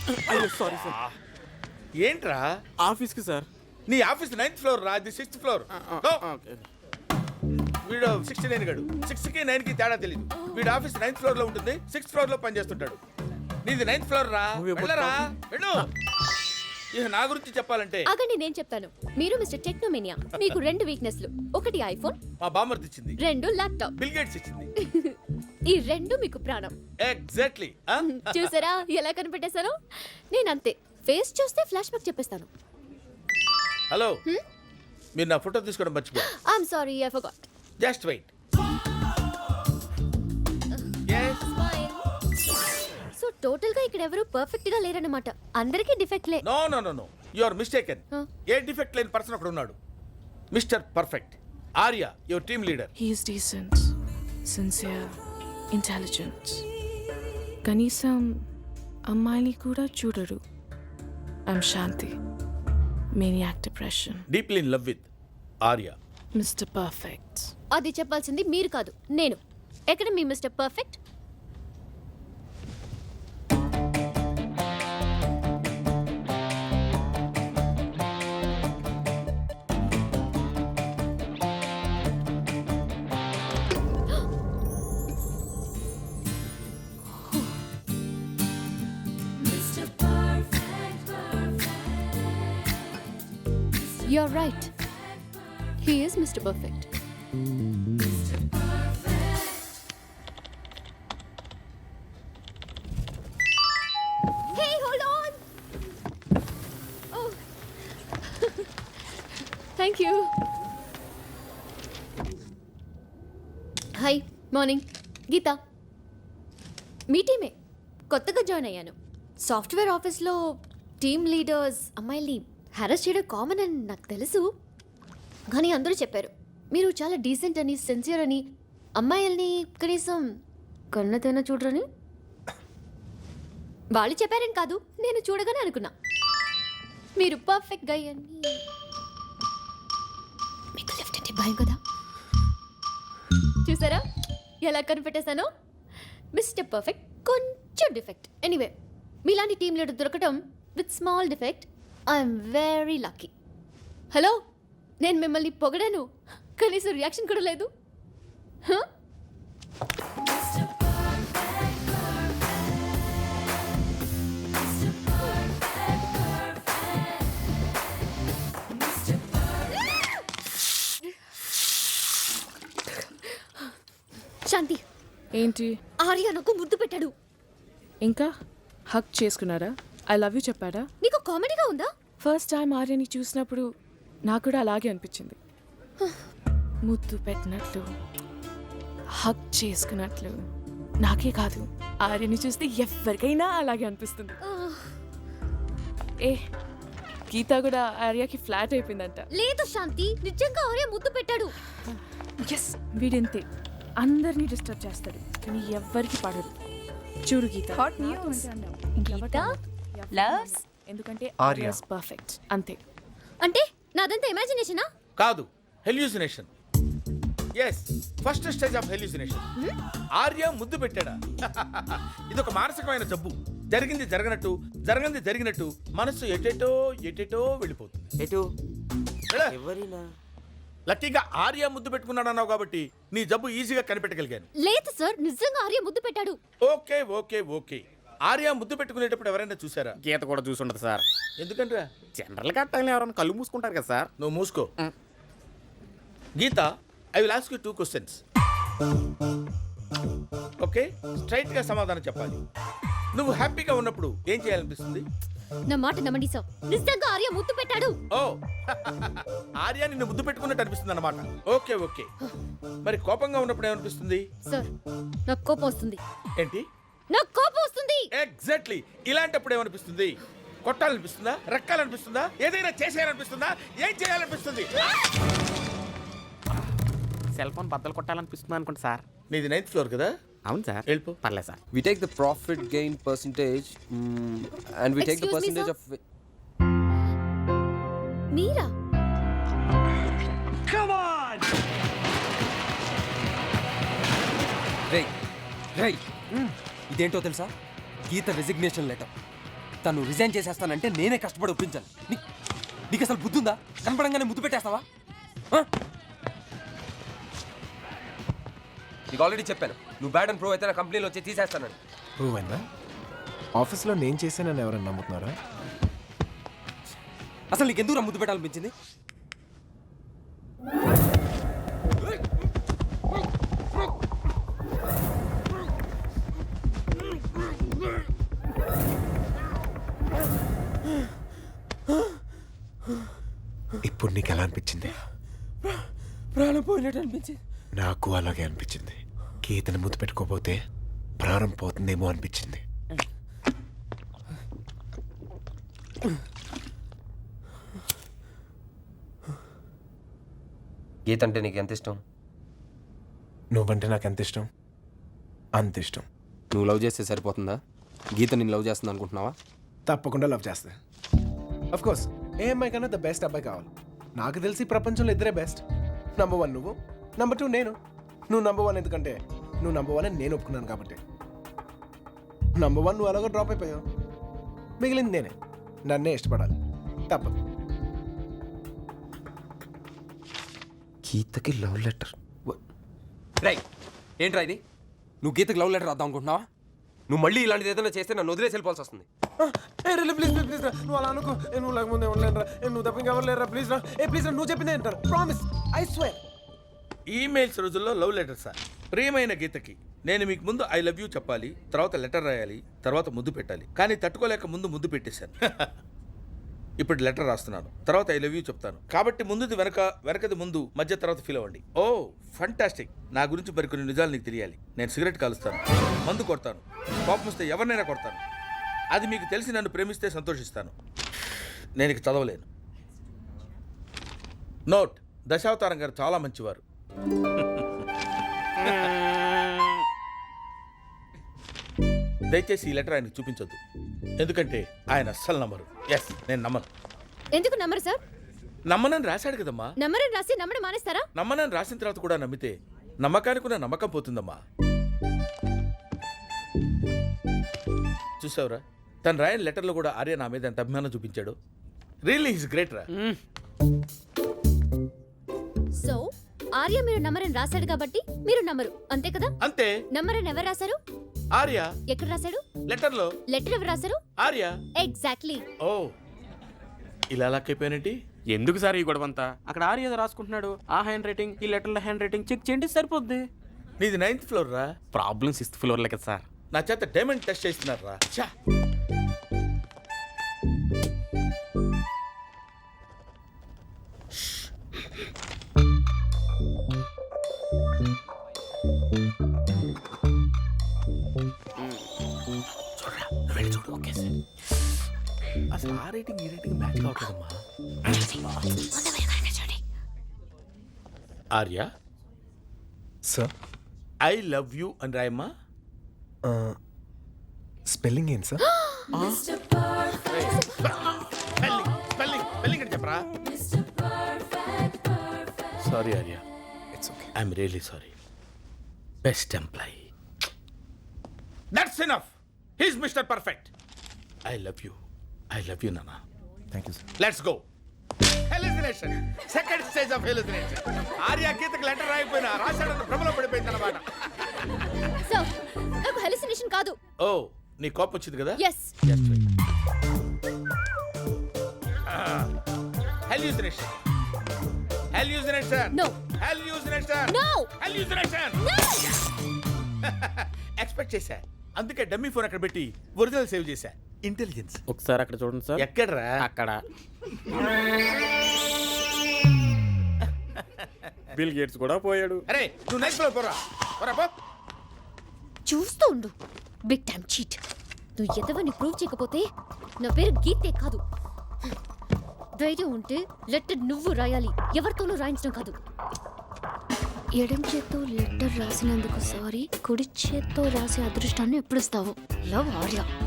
అయ్యో sorry sir. ఏంట్రా? ఆఫీస్కి సార్. నీ ఆఫీస్ 9th ఫ్లోర్ రా, అది 6th ఫ్లోర్. ఓకే. వీడు 69 గడు. 6కి 9కి తేడా తెలియదు. వీడు ఆఫీస్ 9th ఫ్లోర్ లో ఉంటుంది, 6th ఫ్లోర్ లో పనిచేస్తుంటాడు. నీది 9th ఫ్లోర్ రా. వెళ్ళరా వెళ్ళు. ఇక నా గురించి చెప్పాలంటే ఆగండి, నేను చెప్తాను. మీరు మిస్టర్ టెక్నోమేనియా. మీకు 2 వీక్నెస్లు. 1 ఐఫోన్, మా బామ్మర్ది ఇచ్చింది. 2 ల్యాప్టాప్. బిల్ గేట్స్ ఇచ్చింది. ఈ 2 మీకు ప్రాణం. ఎగ్జాక్ట్లీ. చూసారా ఎలా కనిపెట్టేశాను? నేనంతే, ఫేస్ చూస్తే ఫ్లాష్ బ్యాక్ చెప్పేస్తాను. హలో, మీరు నా ఫోటో తీసుకోవడం మర్చిపో. I'm sorry, I forgot. Just wait. So total గా ఇక్కడ ఎవరు పర్ఫెక్ట్ గా లేరన్నమాట. అందరికీ డిఫెక్ట్లే. No no no no, you are mistaken. ఏ డిఫెక్ట్ లేని పర్సన్ అక్కడ ఉన్నాడు. Mister perfect. Arya, your team leader. He is decent, sincere, intelligent. కనీసం అమ్మాయిని కూడా చూడడు. I'm Shanti. Maniac depression. Deeply in love with Arya. Mr. Perfect. అది చెప్పాల్సింది మీరు కాదు, నేను. ఎక్కడ మీ mister perfect? You're right. He is Mr. Perfect. Hey, hold on. Oh. Thank you. Hi, morning. Geetha. మీ టీమే. కొత్తగా జాయిన్ అయ్యాను. సాఫ్ట్వేర్ ఆఫీస్లో టీమ్ లీడర్స్ అమ్మాయిల్ని హ్యారస్ చేయడం కామన్ అని నాకు తెలుసు. కానీ అందరూ చెప్పారు మీరు చాలా డీసెంట్ అని, సిన్సియర్ అని, అమ్మాయిల్ని కనీసం కన్నతైనా చూడరని. వాళ్ళు చెప్పారని కాదు, నేను చూడగానే అనుకున్నా మీరు పర్ఫెక్ట్ గై అని. మీకు లిఫ్ట్ అంటే భయం కదా. చూసారా ఎలా కనిపెట్టేశానో? మిస్టర్ పర్ఫెక్ట్, కొంచెం డిఫెక్ట్. ఎనీవే, మీలాంటి టీమ్ లీడర్ దొరకటం with small defect I'm very lucky. Hello, నేను మిమ్మల్ని పొగడాను, కనీసం రియాక్షన్ కూడా లేదు. శాంతి, ఏంటి? ఆర్య నాకు ముద్దు పెట్టాడు. ఇంకా హక్ చేసుకున్నారా? ఐ లవ్ యూ చెప్పాడా? నీకు కామెడీగా ఉందా? ఫస్ట్ టైం ఆర్యని చూసినప్పుడు నాకు కూడా అలాగే అనిపించింది. ముద్దు పెట్టినట్లు, హక్ చేసుకున్నట్లు. నాకే కాదు, ఆర్యని చూస్తే ఎవరికైనా అలాగే అనిపిస్తుంది. ఏ గీత కూడా ఆర్యకి ఫ్లాట్ అయిపోయిందంట. లేదు శాంతి, నిజంగా ఆర్య ముద్దు పెట్టాడు. ఎస్, వీడింతే, అందరినీ డిస్టర్బ్ చేస్తాడు కానీ ఎవ్వరికి పడదు. చూడు Geetha, hot news. Geetha loves ఎందుకంటే ఆర్య పర్ఫెక్ట్ అంతే. అంటే నాదంతా ఇమాజినేషనా? కాదు, hallucination. Yes, first stage of hallucination. Arya ముద్దు పెట్టాడా? ఇదొక మానసికమైన జబ్బు. జరిగింది జరగనట్టు, జరగంది జరిగినట్టు మనసు ఎటెటో ఎటెటో వెళ్ళిపోతుంది. ఎటు వెళ్ళ. ఎవరినా? లక్కీగా ఆర్య ముద్దు పెట్టుకున్నాడు అన్నావు కాబట్టి నీ జబ్బు ఈజీగా కనిపెట్టగలిగాను. లేదు సార్, నిజంగా ఆర్య ముద్దు పెట్టాడు. Okay okay okay. ఆర్య ముద్దు పెట్టుకునేటప్పుడు ఎవరైనా చూసారా? గీత కూడా చూసుండదు సార్. ఎందుకంటే జనరల్ గా టైంలో ఎవరైనా కళ్ళు మూసుకుంటారు కదా సార్. నువ్వు మూసుకో. Geetha, I will ask you 2 questions. Okay, straight గా సమాధానం చెప్పాలి. నువ్వు హ్యాపీగా ఉన్నప్పుడు ఏం చేయాలనిపిస్తుంది? నా మాట నమ్మండి సార్, నిజంగా ఆర్య ముద్దు పెట్టాడు. ఓ, ఆర్య నిన్ను ముద్దు పెట్టుకున్నట్టు అనిపిస్తుంది అన్నమాట. Okay okay. మరి కోపంగా ఉన్నప్పుడు ఏమనిపిస్తుంది? సార్, నాకు కోపం వస్తుంది. ఏంటి? నాకు కోపం వస్తుంది. ఎగ్జాక్ట్లీ. ఇలాంటప్పుడు ఏమనిపిస్తుంది? కొట్టాలనిపిస్తుందా? రక్కాలనిపిస్తుందా? ఏదైనా చేసేయాలనిపిస్తుందా? ఏం చేయాలనిపిస్తుంది? సెల్ ఫోన్ బద్దలు కొట్టాలనిపిస్తుంది అనుకుంటా సార్. నీది 9th ఫ్లోర్ కదా? అవును సార్. వెళ్ళిపో. పర్లేదు sir. We take the profit gain percentage and we take the Excuse me, percentage sir? of మీరా? రేయ్ ఇదేంటో తెలుసా? Geetha resignation letter. తను రిజైన్ చేసేస్తానంటే నేనే కష్టపడి ఒప్పించాలి. నీకు అసలు బుద్ధి ఉందా? కనపడంగానే ముద్దు పెట్టేస్తావా? ఆ? నీకు ఆల్రెడీ చెప్పాను, నువ్వు బ్యాడ్ అండ్ ప్రో అయితే నా కంపెనీలో వచ్చి తీసేస్తానని. ప్రూవ్ అయిందా? ఆఫీస్లో నేను చేశానని ఎవరైనా నమ్ముతున్నారా? అసలు నీకు ఎందుకు ముద్దు పెట్టాలనిపించింది? ఇప్పుడు నీకు ఎలా అనిపించింది? ప్రాణం పోయినట్టు అనిపించింది. నాకు అలాగే అనిపించింది. గీతను ముద్దు పెట్టుకోపోతే ప్రాణం పోతుందేమో అనిపించింది. గీత అంటే నీకు ఎంత ఇష్టం? నువ్వంటే నాకు ఎంత ఇష్టం అంత ఇష్టం. నువ్వు లవ్ చేస్తే సరిపోతుందా? గీత నేను లవ్ చేస్తుంది అనుకుంటున్నావా? తప్పకుండా లవ్ చేస్తా. అఫ్ కోర్స్ ఏ అమ్మాయి కన్నా ద బెస్ట్ అబ్బాయి కావాలి. నాకు తెలిసి ప్రపంచంలో ఇద్దరే బెస్ట్. నంబర్ 1 నువ్వు, నంబర్ 2 నేను. నువ్వు నంబర్ 1 ఎందుకంటే నువ్వు నంబర్ 1 అని నేను ఒప్పుకున్నాను కాబట్టి. నంబర్ 1 నువ్వు అలాగో డ్రాప్ అయిపోయావు. మిగిలింది నేనే. నన్నే ఇష్టపడాలి, తప్పదు. గీతకి లవ్ లెటర్ రై ఏంట్రా ఇది? నువ్వు గీతకి లవ్ లెటర్ రాద్దాం అనుకుంటున్నావా? నువ్వు మళ్ళీ ఇలాంటిది ఏదైనా చేస్తే నన్ను వదిలేసి వెళ్ళిపోవాల్సి వస్తుంది. ప్లీజ్ ప్లీజ్ రా, నువ్వు అలా అనుకో. నువ్వు లేకముందే ఉండలేను రా. నువ్వు తప్ప ఇంకెవరు లేరు రా. ప్లీజ్ రా, ప్లీజ్ రా, నువ్వు చెప్పిందే అంటారు. Promise, I swear. ఈమెయిల్స్ రోజుల్లో లవ్ లెటర్ సార్. ప్రియమైన గీతకి నేను మీకు ముందు ఐ లవ్ యూ చెప్పాలి, తర్వాత లెటర్ రాయాలి, తర్వాత ముద్దు పెట్టాలి. కానీ తట్టుకోలేక ముందు ముద్దు పెట్టేశాను. ఇప్పుడు లెటర్ రాస్తున్నాను, తర్వాత ఐ లవ్ యూ చెప్తాను. కాబట్టి ముందుది వెనక, వెనకది ముందు, మధ్య తర్వాత ఫీల్ అవ్వండి. Oh fantastic. నా గురించి మరికొన్ని నిజాలు నీకు తెలియాలి. నేను సిగరెట్ కాలుస్తాను, మందు కొడతాను, కోపం వస్తే ఎవరినైనా కొడతాను. అది మీకు తెలిసి నన్ను ప్రేమిస్తే సంతోషిస్తాను. నేను ఇక చదవలేను. నోట్: దశావతారం గారు చాలా మంచివారు. దయచేసి ఈ లెటర్ ఆయనకు చూపించొద్దు, ఎందుకంటే ఆయన అస్సలు నమ్మరు. ఎస్, నేను నమ్మను. ఎందుకు నమ్మరు సార్? నమ్మనని రాశాడు కదమ్మా. నమ్మరని రాసి నమ్మడం మానేస్తారా? నమ్మనని రాసిన తర్వాత కూడా నమ్మితే నమ్మకానికి ఉన్న నమ్మకం పోతుందమ్మా. చూసావురా, తను రాయని లెటర్లో కూడా ఆర్య నా మీద ఎంత అభిమానం చూపించాడు. రియల్లీ ఈజ్ గ్రేట్ రా. సో ఆర్య మీరు నమ్మరని రాశాడు కాబట్టి మీరు నమ్మరు, అంతే కదా? అంతే. నమ్మరని ఎవరు రాశారు? ఆర్య. ఎక్కడ రాశాడు? లెటర్లో. లెటర్ ఎవరు రాశారు? ఆర్య. ఎగ్జాక్ట్లీ. ఓ, ఇలా లాక్కైపోయానేంటి? ఎందుకు సార్ ఈ గొడవంతా? అక్కడ ఆర్య ఏదో రాసుకుంటున్నాడు, ఆ హ్యాండ్ రైటింగ్, ఈ లెటర్ల హ్యాండ్ రైటింగ్ చెక్ చేయండి, సరిపోద్ది. నీది 9th ఫ్లోర్ రా. ప్రాబ్లం 6th ఫ్లోర్లే కదా సార్. నా చేత డైమండ్ టెస్ట్ చేస్తున్నారు రా. ఛా. చూడరా, నువ్వు వెళ్ళి చూడు. Okay sir. అసలు ఆ రేటింగ్ ఈ రేటింగ్ మ్యాచ్ కావట్లేదమ్మా. Arya, sir I love you అని రాయమ్మా. స్పెల్లింగ్ ఏంటి సార్? స్పెల్లింగ్ అని చెప్పరా. Sorry Arya, it's okay. I'm really sorry. Best employee. That's enough. He's mister perfect. I love you నానా. Thank you sir. Let's go. Hallucination, second stage of hallucination. Arya గీతకు letter రాయిపోయినా రాశాడన్న భ్రమలో పడిపోయింది అన్నమాట. సో నాకు హెలిసినేషన్ కాదు. ఓ, నీ కోపం వచ్చింది కదా. Yes. Hallucination. Hallucination. No. Hallucination. No. Hallucination. Expect చేశా, అందుకే డమ్మీ ఫోన్ అక్కడ పెట్టి ఒరిజినల్ సేవ్ చేశా. ఇంటెలిజెన్స్. ఒకసారి అక్కడ చూడండి సార్. ఎక్కడరా? అక్కడ. బిల్ గేట్స్ కూడా పోయాడు. అరే నువ్వు నెక్స్ట్ ఫ్లోర్ పోరా. పోరా పో. చూస్తూ ఉండు, బిగ్ టైమ్ చీట్. నువ్వు ఎదవని ప్రూవ్ చేయకపోతే నా పేరు గీతే కాదు. ధైర్యం ఉంటే లెటర్ నువ్వు రాయాలి, ఎవరితోనూ రాయించడం కాదు. ఎడం చేత్తో లెటర్ రాసినందుకు సారీ, కుడి చేత్తో రాసే అదృష్టాన్ని ఎప్పుడు ఇస్తావు? లవ్ ఆర్య.